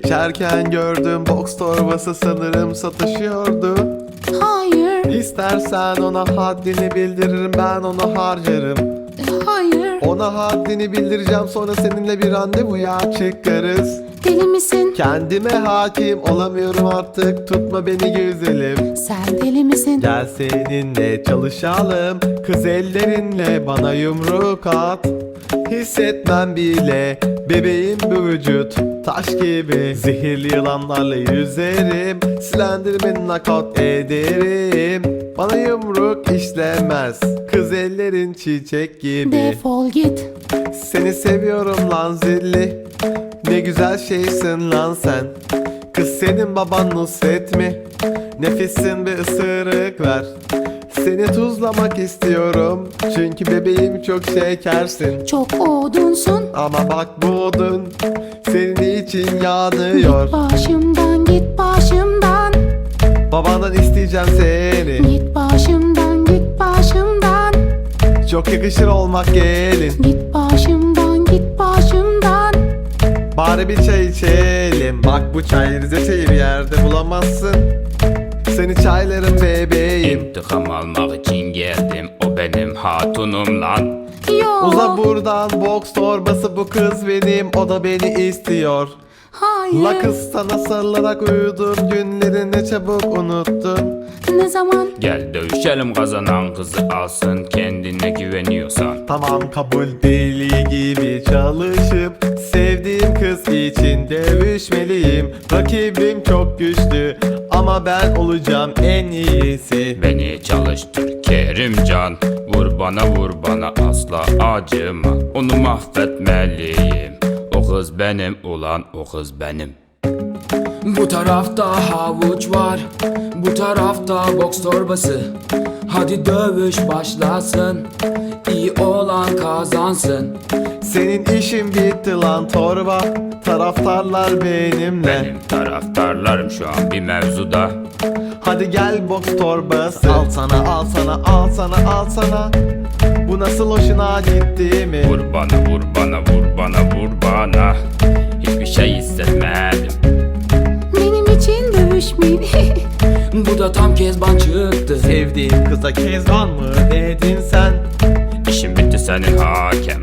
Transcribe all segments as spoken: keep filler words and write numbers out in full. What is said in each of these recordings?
Geçerken gördüm, box torbası sanırım satışıyordu. Hayır, İstersen ona haddini bildiririm, ben onu harcarım. hayır. Ona haddini bildireceğim, sonra seninle bir randevuya çıkarız. Deli misin? Kendime hakim olamıyorum artık, tutma beni güzelim. Sen deli misin? Gel seninle çalışalım, kız ellerinle bana yumruk at. Hissetmem bile bebeğim bu vücut, taş gibi. Zehirli yılanlarla yüzerim, Slenderman'i knockout ederim. Bana yumruk işlemez, kız ellerin çiçek gibi. Defol git. Seni seviyorum lan zilli, ne güzel şeysin lan sen. Kız senin baban Nusret mi? Nefissin bir ısırık ver. Seni tuzlamak istiyorum, çünkü bebeğim çok şekersin. Çok odunsun. Ama bak bu odun senin için yanıyor. Git başımdan, git başımdan. Babandan isteyeceğim seni, Git başımdan, git başımdan. çok yakışır olmak gelin. Git başımdan, git başımdan. Bari bir çay içelim, bak bu çay Rize çayı bir yerde bulamazsın. Seni çaylarım bebeğim. İntikam almak için geldim, o benim hatunum lan. Yo. Uza buradan, box torbası bu kız benim, o da beni istiyor. Hayır. La kız sana sarılarak uyudum, günlerini çabuk unuttun. Ne zaman? Gel dövüşelim, kazanan kızı alsın, kendine güveniyorsan. Tamam kabul, deli gibi çalışıp sevdiğim kız için dövüşmeliyim. Rakibim çok güçlü ama ben olacağım en iyisi. Beni çalıştır Kerimcan, vur bana vur bana, asla acıma. Onu mahvetmeliyim, o kız benim ulan, o kız benim. Bu tarafta havuç var, bu tarafta boks torbası. Hadi dövüş başlasın, iyi olan kazansın. Senin işin bitti lan torba, taraftarlar benimle. Benim taraftarlarım şu an bir mevzuda. Hadi gel box torbası, al sana al sana al sana al sana. Bu nasıl hoşuna gitti mi? Vur bana vur bana vur bana vur bana, hiçbir şey hissetmedim. Benim için dövüşmeyin. Bu da tam Kezban çıktı. Sevdiğim kıza Kezban mı dedin sen? İşim bitti senin hakem.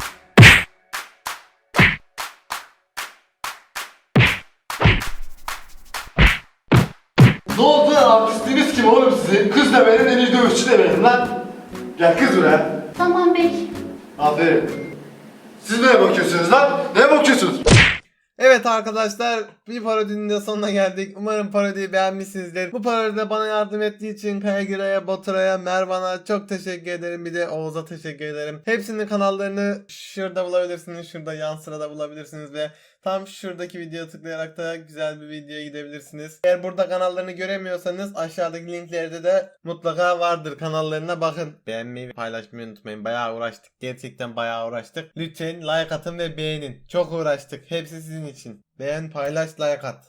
Ne oldu lan, artistiniz kim oğlum sizin? Kız da benim, en iyi dövüşçü de benim lan. Gel kız buraya. Tamam bey. Aferin. Siz neye bakıyorsunuz lan? Neye bakıyorsunuz? Evet arkadaşlar, bir parodinin de sonuna geldik. Umarım parodiyi beğenmişsinizdir. Bu parodide bana yardım ettiği için Kayagira'ya, Baturay'a, Mervan'a çok teşekkür ederim. Bir de Oğuz'a teşekkür ederim. Hepsinin kanallarını şurada bulabilirsiniz. Şurada yan sırada bulabilirsiniz ve tam şuradaki videoya tıklayarak da güzel bir videoya gidebilirsiniz. Eğer burada kanallarını göremiyorsanız aşağıdaki linklerde de mutlaka vardır. Kanallarına bakın. Beğenmeyi, paylaşmayı unutmayın. Bayağı uğraştık. Gerçekten bayağı uğraştık. Lütfen like atın ve beğenin. Çok uğraştık. Hepsi sizin için. Beğen, paylaş, like at.